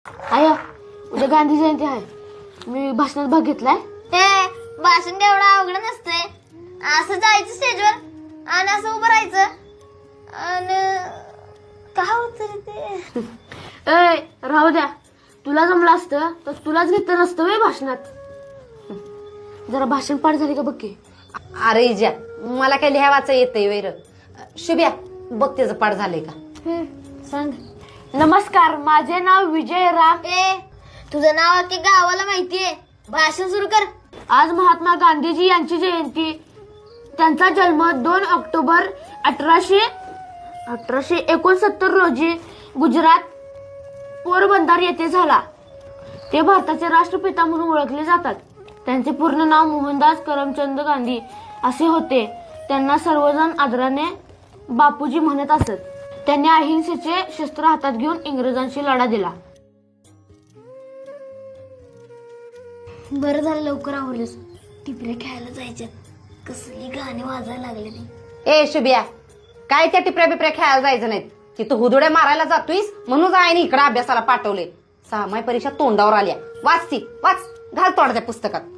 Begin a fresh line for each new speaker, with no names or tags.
I उद्या गांधी जयंती आहे. मी भाषणात भाग घेतलाय.
हे भाषण काय एवढं अवघड नसतंय. असं जायचं स्टेजवर आणि असं उभं राहायचं आणि काय होतं ते.
ए राहू द्या, तुला जमलं असतं तर तुलाच घेतलं नसतं वे भाषणात. जरा भाषण पाठ झाली का बघ की.
अरे इजा, मला काय लिहा वाचा येतंय वैर. शुभ्या बघ त्याचं पाठ झालंय का.
सांग. नमस्कार, माझे नाव विजय राम.
ए तुझं नाव अख्ख्या गावाला माहितीये. भाषण सुरू कर.
आज महात्मा गांधीजी यांची जयंती. त्यांचा जन्म 2 ऑक्टोबर 1869 रोजी गुजरात पोरबंदर येथे झाला. ते भारताचे राष्ट्रपिता म्हणून ओळखले जातात. त्यांचे पूर्ण नाव मोहनदास करमचंद गांधी असे होते. त्यांना सर्वजण आदराने बापूजी म्हणत असत. त्यांनी अहिंसेचे शस्त्र हातात घेऊन इंग्रजांशी लढा दिला.
बरं झालं लवकर आवरलीस. टिपऱ्या खेळायला जायच्यात. कसली गाणी वाजायला लागले ते.
ए शुभ्या, काय त्या टिपऱ्या बिपऱ्या खेळायला जायचं नाहीत. तिथं हुदुड्या मारायला जातोयस म्हणून आईने इकडे अभ्यासाला पाठवले. 6 माही परीक्षा तोंडावर आल्या. वाच ती वाच, घाल तोडा त्या पुस्तकात.